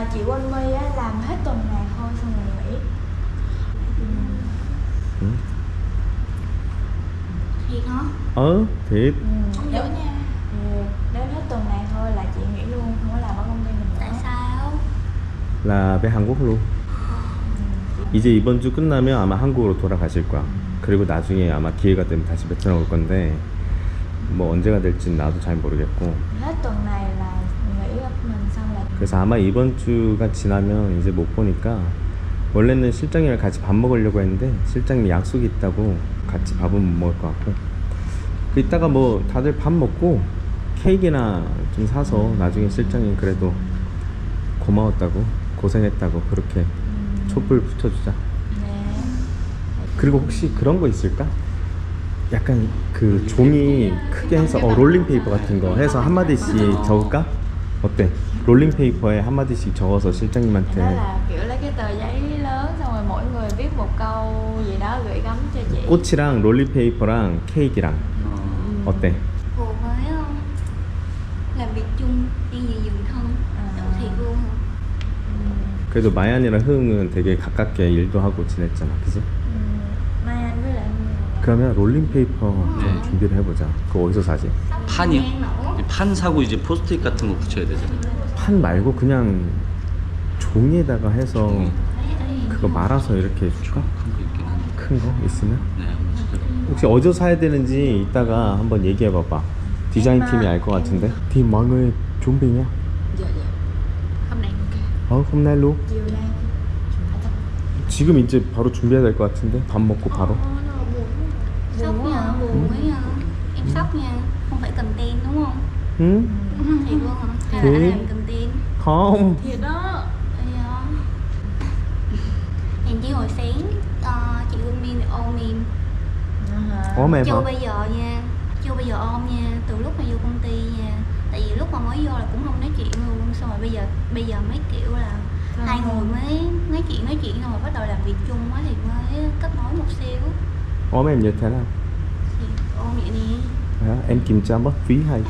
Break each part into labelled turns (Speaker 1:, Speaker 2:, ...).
Speaker 1: chị Quân My á, làm hết tuần này thôi xong rồi nghỉ.
Speaker 2: Thiệt hả?
Speaker 3: Thiệt.
Speaker 2: Không giỏi nha.
Speaker 1: Đến hết tuần này thôi là chị nghỉ luôn, không có làm ở công ty mình nữa.
Speaker 2: Tại sao?
Speaker 3: là về 한국으로. 이제 이번 주 끝나면 아마 한국으로 돌아가실 거야. 그리고 나중에 아마 기회가 되면 다시 베트남 올 건데 뭐 언제가 될지는 나도 잘 모르겠고.
Speaker 1: Hết tuần này là nghỉ ở mình xong là.
Speaker 3: 그래서 아마 이번 주가 지나면 이제 못 보니까 원래는 실장님이랑 같이 밥 먹으려고 했는데 실장님이 약속이 있다고 같이 밥은 못 먹을 것 같고. 그 이따가 뭐 다들 밥 먹고 케이크나 좀 사서 나중에 실장님 그래도 고마웠다고 고생했다고 그렇게 촛불 붙여주자.
Speaker 1: 네.
Speaker 3: 그리고 혹시 그런 거 있을까? 약간 그 종이 크게 해서 롤링페이퍼 같은 거 해서 한마디씩 적을까? 어때? 롤링페이퍼에 한마디씩 적어서 실장님한테.
Speaker 1: Đó là kiểu lấy cái tờ giấy lớn xong rồi mỗi người viết một câu gì đó gửi gắm cho chị.
Speaker 3: 꽃이랑 롤링페이퍼랑 케이크랑 어때?
Speaker 2: Phù với làm việc chung đi về giường thân. Thiệt luôn hả?
Speaker 3: 그래도 마얀이랑 흐응은 되게 가깝게 일도 하고 지냈잖아, 그지?
Speaker 1: Mai Anh với lại
Speaker 3: 그러면 롤링페이퍼 좀 준비를 해보자. 그거 어디서 사지?
Speaker 4: 판이요? 판 사고 이제 포스트잇 같은 거 붙여야 되잖아요.
Speaker 3: 판 말고 그냥 종이에다가 해서 그거 말아서 이렇게 해줄까?
Speaker 4: 큰 거 있긴 한데.
Speaker 3: 큰 거 있으면?
Speaker 4: 네, 한번 찾아봐.
Speaker 3: 혹시 어디서 사야 되는지 이따가 한번 얘기해봐봐. 디자인 팀이 알 것 같은데. Thì mọi người chuẩn bị nha.
Speaker 2: Dạ dạ. Hôm nay ok.
Speaker 3: hôm nay luôn.
Speaker 1: chiều nay.
Speaker 3: 지금 이제 바로 준비해야 될 것 같은데. 밥 먹고 바로.
Speaker 2: Sốc nha, buồn quá nha. Em sốc nha. Không phải content đúng không?
Speaker 3: 응?
Speaker 2: Thiệt luôn hả? Hay là anh làm content?
Speaker 3: không.
Speaker 1: Thiệt đó.
Speaker 2: Hèn chi hồi sáng chị Quân Miên ôm em.
Speaker 3: ôm em
Speaker 2: Chưa
Speaker 3: hả?
Speaker 2: bây giờ nha. Chưa bây giờ ôm nha. Từ lúc mà vô công ty nha. Tại vì lúc mà mới vô là cũng không nói chuyện luôn. Xong rồi bây giờ mấy kiểu là hai người mới nói chuyện xong rồi bắt đầu làm việc chung á thì mới kết nối một xíu.
Speaker 3: ôm em như thế nào?
Speaker 2: Thì ôm vậy nè.
Speaker 3: Hả? Em kiểm tra mất phí hay?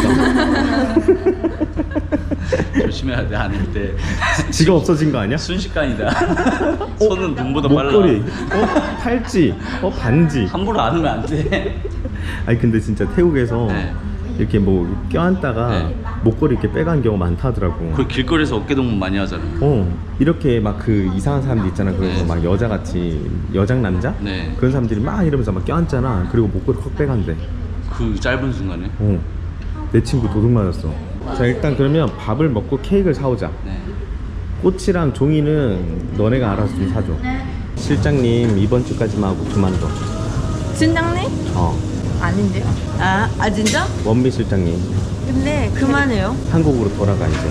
Speaker 4: 조심해야 돼, 아닐 때.
Speaker 3: 지가 없어진 거 아니야?
Speaker 4: 순식간이다. 손은 눈보다 빨라.
Speaker 3: 목걸이, 팔찌, 반지.
Speaker 4: 함부로 안 하면 안 돼.
Speaker 3: 아니 근데 진짜 태국에서
Speaker 4: 네.
Speaker 3: 이렇게 뭐 껴안다가
Speaker 4: 네.
Speaker 3: 목걸이 이렇게 빼간 경우가 많다더라고.
Speaker 4: 그 길거리에서 어깨동무 많이 하잖아요.
Speaker 3: 이렇게 막 그 이상한 사람들 있잖아. 그래서
Speaker 4: 네.
Speaker 3: 막 여자같이 여장 남자?
Speaker 4: 네.
Speaker 3: 그런 사람들이 막 이러면서 막 껴안잖아. 그리고 목걸이 확 빼간대.
Speaker 4: 그 짧은 순간에.
Speaker 3: 내 친구 도둑 맞았어. 자 일단 그러면 밥을 먹고 케이크를 사오자.
Speaker 4: 네.
Speaker 3: 꽃이랑 종이는 너네가 알아서 좀 사줘. 실장님 이번 주까지만 하고 그만둬.
Speaker 5: 진장님? 아닌데요? 아 진짜?
Speaker 3: 원미 실장님
Speaker 5: 근데 그만해요.
Speaker 3: 한국으로 돌아가 이제.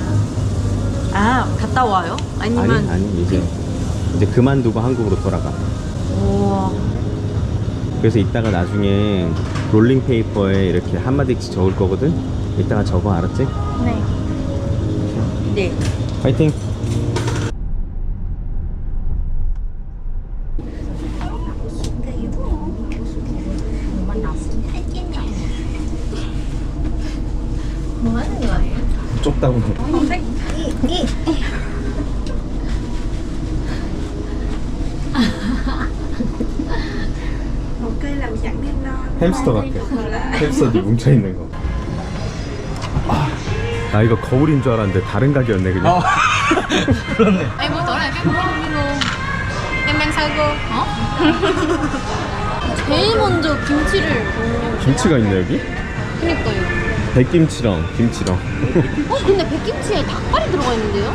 Speaker 5: 아 갔다 와요? 아니면
Speaker 3: 아니 이제 그만두고 한국으로 돌아가.
Speaker 5: 우와.
Speaker 3: 그래서 이따가 나중에 롤링페이퍼에 이렇게 한마디씩 적을 거거든. 이따가 적어, 알았지?
Speaker 5: 네. 네.
Speaker 3: 파이팅!
Speaker 2: Mới người.
Speaker 3: 좁다고.
Speaker 5: không thích.
Speaker 6: một cây làm chẳng nên non.
Speaker 3: 햄스터 같아. 햄스터들 뭉쳐있는 거. 나 이거 거울인 줄 알았는데 다른 가게였네 그냥.
Speaker 4: 그렇네.
Speaker 2: Em buổi tối này cái không đi luôn. Em đang sao cô? 제일 먼저 김치를.
Speaker 3: 김치가 있네 여기?
Speaker 2: 그니까요.
Speaker 3: 백김치랑 김치랑
Speaker 2: 근데 백김치에 닭발이 들어가 있는데요?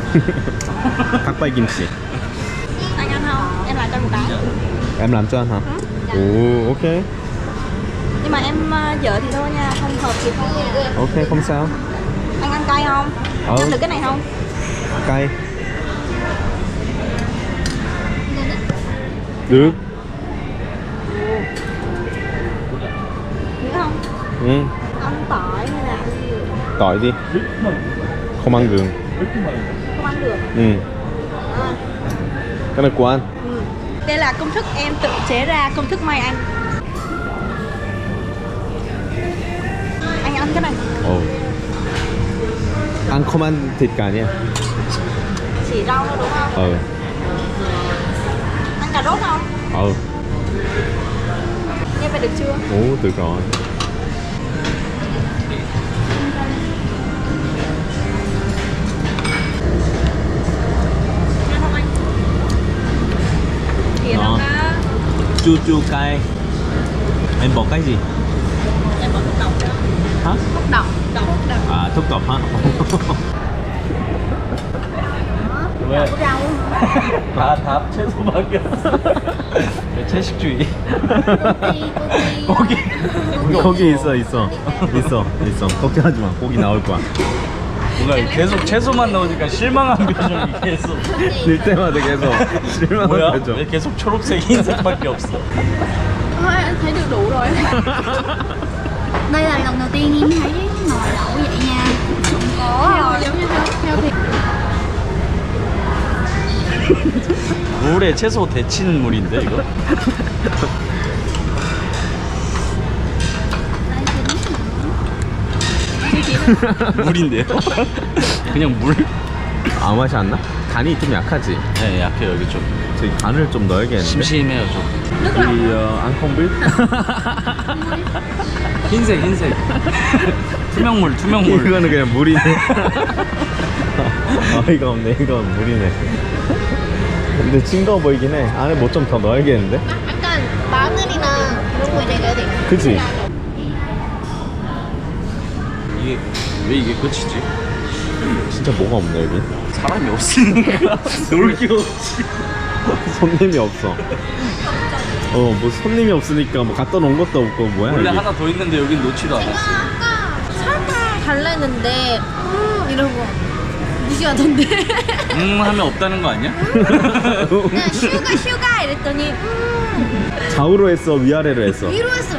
Speaker 3: 닭발김치.
Speaker 2: Anh ăn không? Em làm cho một cái.
Speaker 3: Em làm cho anh hả? Ồ, ok.
Speaker 2: Nhưng mà em dở thì thôi nha, không hợp thì không.
Speaker 3: Ok, không sao.
Speaker 2: Anh ăn cay không? Ăn được cái này không?
Speaker 3: Cay. Được.
Speaker 2: Được không?
Speaker 3: Ừ,
Speaker 2: Ăn tỏi hay là ăn gì?
Speaker 3: tỏi đi. Không ăn đường.
Speaker 2: Không ăn được.
Speaker 3: Ừ. Cái này của anh.
Speaker 2: Đây là công thức em tự chế ra, công thức Mai Anh. Anh ăn cái này.
Speaker 3: Ăn không ăn thịt cả nha.
Speaker 2: Xì rau thôi đúng không?
Speaker 3: Ừ.
Speaker 2: Ăn cà rốt không?
Speaker 3: Ừ.
Speaker 1: Nghe vậy được chưa?
Speaker 3: Ồ, được rồi.
Speaker 1: Thì
Speaker 3: Ngon.
Speaker 1: nó có
Speaker 3: Chua chua cay. Em bỏ cái gì?
Speaker 2: Em bỏ thuốc độc nữa.
Speaker 3: Hả?
Speaker 1: thuốc độc.
Speaker 3: À, thuốc độc hả?
Speaker 4: 왜?
Speaker 2: Có rau
Speaker 4: 다 채소밖에 없어. 채식주의.
Speaker 2: Gogi
Speaker 3: 고기 있어. 걱정하지 마. 고기 나올 거야.
Speaker 4: 뭔가 계속 채소만 나오니까 실망한 표정이 계속.
Speaker 3: 들 때마다 계속 실망한
Speaker 4: 뭐야?
Speaker 3: 표정.
Speaker 4: 왜 계속 초록색, 흰색밖에 없어?
Speaker 1: Thôi anh thấy được đủ rồi.
Speaker 2: Đây là lần đầu tiên em thấy nồi lẩu vậy nha. Không có
Speaker 1: Giống như theo thì
Speaker 4: 물에 채소 데친 물인데 이거? 물인데요? 그냥 물?
Speaker 3: 아무 맛이 안 나? 간이 좀 약하지?
Speaker 4: 네, 약해 여기 좀.
Speaker 3: 저희 간을 좀 넣어야겠는데.
Speaker 4: 심심해요 좀.
Speaker 3: 우리 앙콩빌?
Speaker 4: 흰색. 투명물.
Speaker 3: 이거는 그냥 물이네. 어이가 없네. 이건 물이네. 근데 싱거워 보이긴 해. 안에 뭐 좀 더 넣어야겠는데?
Speaker 2: 약간 마늘이나 그런 거 넣어야 돼.
Speaker 3: 그치?
Speaker 4: 이게 왜 이게 끝이지?
Speaker 3: 진짜 뭐가 없네 여기.
Speaker 4: 사람이 없으니까 놀 게 없지.
Speaker 3: 손님이 없어. 뭐 손님이 없으니까 뭐 갖다 놓은 것도 없고 뭐야
Speaker 4: 원래
Speaker 3: 여기.
Speaker 4: 하나 더 있는데 여긴 놓지도 않았어.
Speaker 2: 아까 설탕 달랬는데 이러고 무시하던데.
Speaker 4: 하면 없다는 거 아니야?
Speaker 2: 그냥 슈가 이랬더니
Speaker 3: 좌우로 했어 위아래로 했어.
Speaker 2: 위로 했어.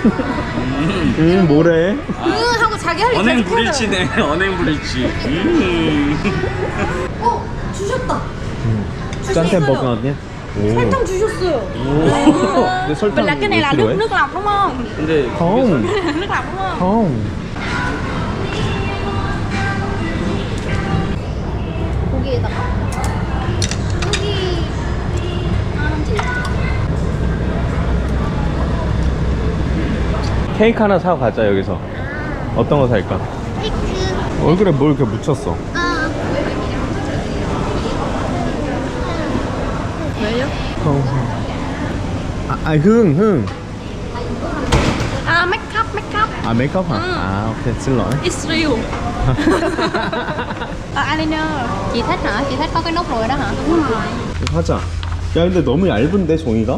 Speaker 3: 뭐래?
Speaker 2: 하고 자기 할 일
Speaker 4: 언행
Speaker 2: 계속 하더라고.
Speaker 4: 불일치네. 언행 불일치.
Speaker 2: 주셨다.
Speaker 3: 짠템 버거 아니야?
Speaker 2: 설탕 주셨어요.
Speaker 3: 근데 설탕
Speaker 2: Là cái này là
Speaker 3: 왜
Speaker 2: nước lọc đúng không?
Speaker 4: 근데
Speaker 3: không
Speaker 2: Nước lọc đúng không?
Speaker 3: không
Speaker 2: 고기에다가 고기
Speaker 3: 케이크 하나 사고 가자 여기서. 어떤 거 살까?
Speaker 2: 케이크.
Speaker 3: 얼굴에 뭘 이렇게 묻혔어?
Speaker 1: 왜요?
Speaker 3: 흥.
Speaker 1: À make up.
Speaker 3: 아 메이크업 hả? 오케이 xin lỗi.
Speaker 1: It's real. Eyeliner.
Speaker 2: Chị thích hả? Chị thích có cái nốt ruồi đó hả? Đúng rồi.
Speaker 3: 하자. 야 근데 너무 얇은데 종이가?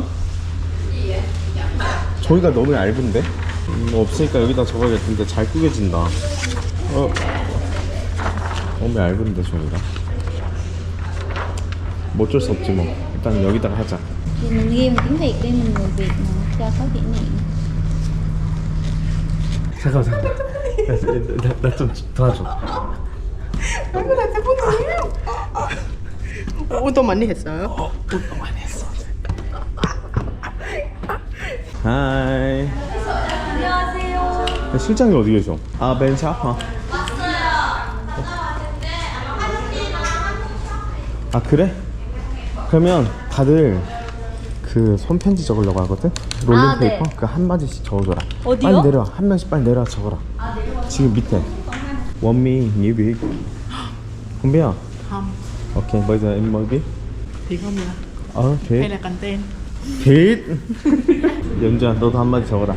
Speaker 3: 종이가 너무 얇은데? 없으니까 여기다 적어야겠는데 잘 구겨진다. 너무 얇은데 종이가. 뭐 어쩔 수 없지 뭐. 일단 여기다가 하자.
Speaker 2: Thì mình ghi bằng tiếng Việt đi, mình người Việt mà cho có kỷ niệm.
Speaker 3: 잠깐만. 나 좀 도와줘.
Speaker 6: 운동 많이 했어요?
Speaker 3: 운동 많이 했어. 하이. 안녕하세요. 실장이 어디 계셔? 아, 벤샵? 아, 그래? 그러면 다들 그 손편지 적으려고 하거든? 롤링페이퍼?
Speaker 2: 네.
Speaker 3: 그 한마디씩 적어줘라.
Speaker 5: 어디요?
Speaker 3: 빨리 내려와. 한 명씩 빨리 내려와 적어라. 지금 밑에. 원미, 뉴비. không biết à?
Speaker 6: Không,
Speaker 3: Ok, bây giờ em mới biết.
Speaker 6: thì không là
Speaker 3: Hay
Speaker 6: hay
Speaker 3: thiệt.
Speaker 6: là content.
Speaker 3: thiệt. 연주야, 너도 한마디 적어라.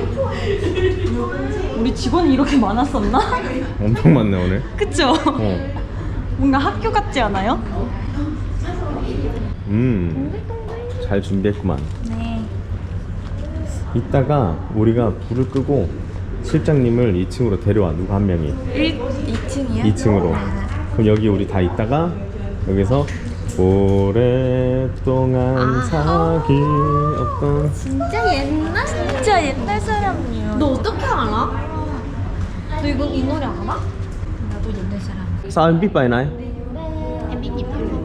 Speaker 5: 우리 직원이 이렇게 많았었나?
Speaker 3: 엄청 많네 오늘.
Speaker 5: 그쵸?
Speaker 3: 어.
Speaker 5: 뭔가 학교 같지 않아요?
Speaker 3: 잘 준비했구만.
Speaker 2: 네.
Speaker 3: 이따가 우리가 불을 끄고 실장님을 2층으로 데려와. 누가 한 명이
Speaker 1: 2층이요?
Speaker 3: 2층으로. 그럼 여기 우리 다 있다가 여기서 오랫동안 사귀 어떤
Speaker 2: 진짜 옛날?
Speaker 1: 진짜 옛날 사람이에요.
Speaker 2: 너 어떻게 알아? 너 이거 이 노래 알아?
Speaker 1: 나도 옛날 사람.
Speaker 3: sao em biết bài này?
Speaker 2: Em biết nhịp không?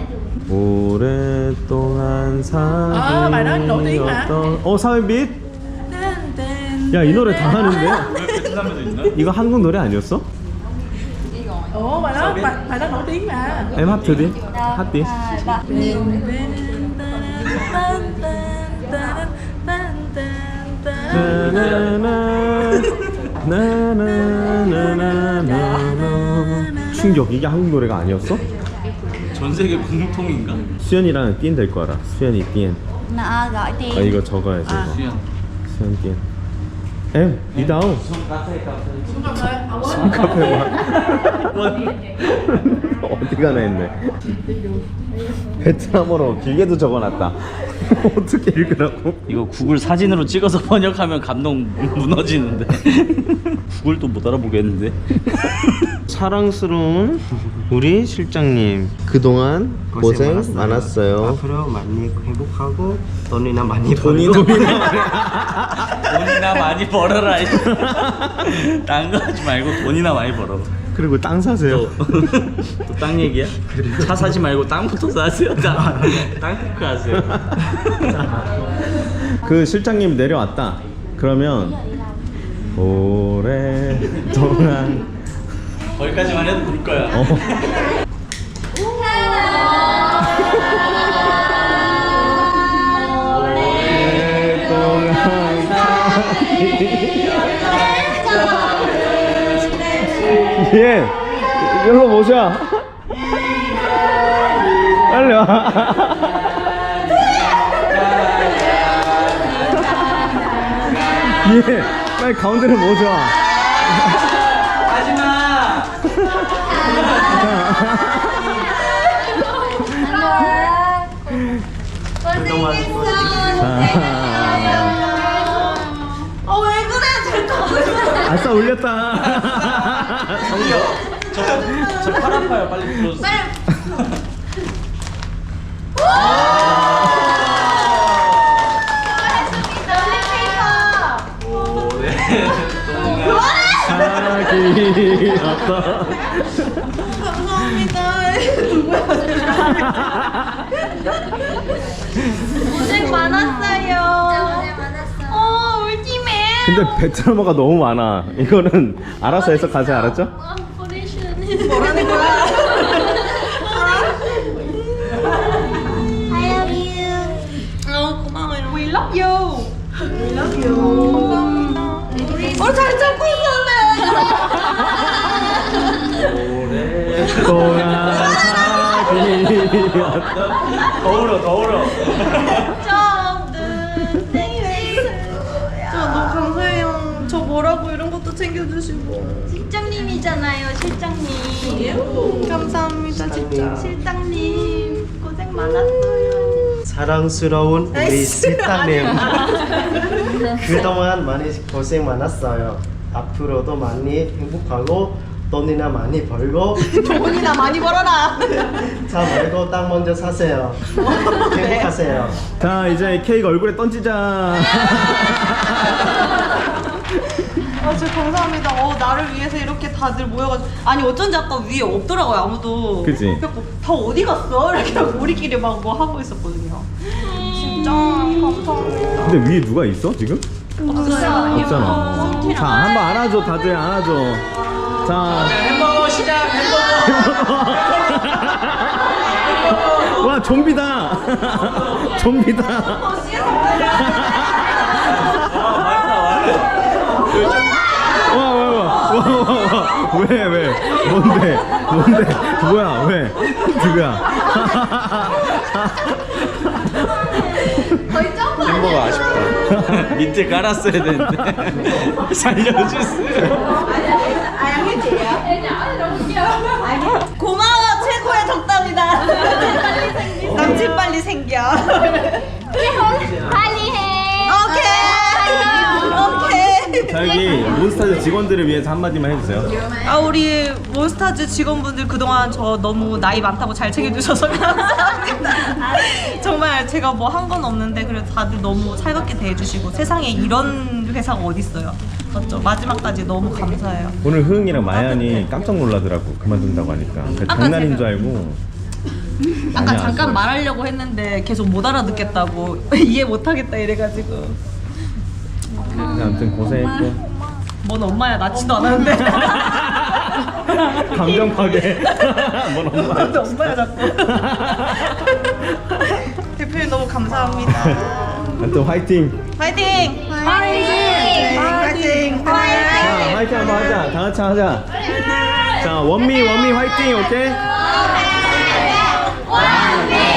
Speaker 3: 오랫동안 사귀
Speaker 6: bài đó nổi tiếng mà.
Speaker 3: sao em biết? 야, 이 노래 다 하는데?
Speaker 4: 베트남에도 있나?
Speaker 3: 이거 한국 노래 아니었어?
Speaker 6: Ủa bài đó nổi tiếng mà.
Speaker 3: Em hát thử đi. Hát đi. 충격, 이게 한국 노래가 아니었어?
Speaker 4: 전 세계 공통인가?
Speaker 3: 수연이랑 띠엔 될 거 알아. 수연이 띠엔.
Speaker 2: Nó gọi
Speaker 3: 아
Speaker 2: tiền.
Speaker 3: 이거 적어야지. 이거.
Speaker 4: 수연.
Speaker 3: 수연 띠엔. em đi đâu? xuống 카페 와. 어디 가나 했네. 베트남어로 길게도 적어놨다. 어떻게 읽으라고?
Speaker 4: 이거 구글 사진으로 찍어서 번역하면 감동 무너지는데. 구글도 못 알아보겠는데.
Speaker 3: 사랑스러운 우리 실장님, 그동안 고생 많았어요.
Speaker 7: 앞으로 많이 행복하고 돈이나 많이
Speaker 3: 돈이나
Speaker 7: 벌고
Speaker 4: 돈이나 많이 벌어라. 딴 거 하지 말고 돈이나 많이 벌어.
Speaker 3: 그리고 땅 사세요.
Speaker 4: 또 땅 얘기야? 차 사지 말고 땅부터 사세요. 땅 토크 하세요.
Speaker 3: 그 실장님 내려왔다. 그러면 오랫동안
Speaker 4: 거기까지만 해도 울 거야.
Speaker 3: 예, 일로 모셔. 빨리 와. 예, 빨리 가운데로 모셔.
Speaker 2: 왜 그래? 잠깐만.
Speaker 3: 아싸 올렸다.
Speaker 4: 저팔 아파요. 빨리 불러주세요.
Speaker 3: 사기 없다.
Speaker 2: 고생 많았어요. 울지매.
Speaker 3: 근데 베트남어가 너무 많아. 이거는 알아서 해석하세요. 알았죠?
Speaker 2: 뭐라는 거야? I love you.
Speaker 5: 고마워요. We love you. We love you.
Speaker 2: 잘 참고 있었네.
Speaker 3: 오랫동안 사귀었다.
Speaker 4: 더 울어.
Speaker 5: 너무 감사해요. 저 뭐라고 이런 것도 챙겨주시고.
Speaker 2: 실장님이잖아요, 실장님.
Speaker 5: 감사합니다, 진짜.
Speaker 2: 실장님 고생 많았어요.
Speaker 7: 사랑스러운 우리 실장님 그동안 많이 고생 많았어요. 앞으로도 많이 행복하고 돈이나 많이 벌고
Speaker 5: 돈이나 많이 벌어라.
Speaker 7: 차 말고 땅 먼저 사세요. 행복하세요.
Speaker 3: 자, 이제 케이크 얼굴에 던지자.
Speaker 5: 진짜 감사합니다. 나를 위해서 이렇게 다들 모여가지고. 아니 어쩐지 아까 위에 없더라고요, 아무도.
Speaker 3: 그치?
Speaker 5: 그래갖고 다 어디 갔어? 이렇게 하고 우리끼리 막 뭐 하고 있었거든요. 진짜 감사합니다.
Speaker 3: 근데 위에 누가 있어 지금?
Speaker 5: 없어요.
Speaker 3: 없잖아. 자, 한번 안아줘. 다들 안아줘. 자,
Speaker 4: 햄버거 시작.
Speaker 3: 와, 좀비다. 좀비다. 와. 왜? 뭔데? 뭐야? 왜? 누구야?
Speaker 4: 햄버거 아쉽다. 밑에 깔았어야 되는데. 살려주세요.
Speaker 5: 고마워, 최고의 덕담이다. 남친 빨리 생겨.
Speaker 2: 빨리 해.
Speaker 5: 오케이.
Speaker 3: 자, 여기 몬스타즈 직원들을 위해서 한마디만 해주세요.
Speaker 5: 우리 몬스타즈 직원분들 그동안 저 너무 나이 많다고 잘 챙겨주셔서 감사합니다. 정말 제가 뭐 한 건 없는데 그래도 다들 너무 살갑게 대해주시고 세상에 이런 회사가 어딨어요. 맞죠? 마지막까지 너무 감사해요.
Speaker 3: 오늘 흐응이랑 마ян이 깜짝 놀라더라고. 그만둔다고 하니까. 장난인 줄 알고.
Speaker 5: 아까
Speaker 3: 많이
Speaker 5: 잠깐
Speaker 3: 아쉬워요.
Speaker 5: 말하려고 했는데 계속 못 알아듣겠다고 이해 못하겠다 이래가지고.
Speaker 3: 아무튼 고생했고.
Speaker 5: 뭔 엄마야, 낳지도 않았는데.
Speaker 3: 감정 파괴. 뭔 엄마.
Speaker 5: 엄마야 자꾸. 대표님 너무 감사합니다.
Speaker 3: 또 화이팅.
Speaker 5: 파이팅! 파이팅!
Speaker 3: 자, 화이팅 한번 하자. 다 같이 하자. 자, 원미 화이팅. 오케이?
Speaker 2: 원미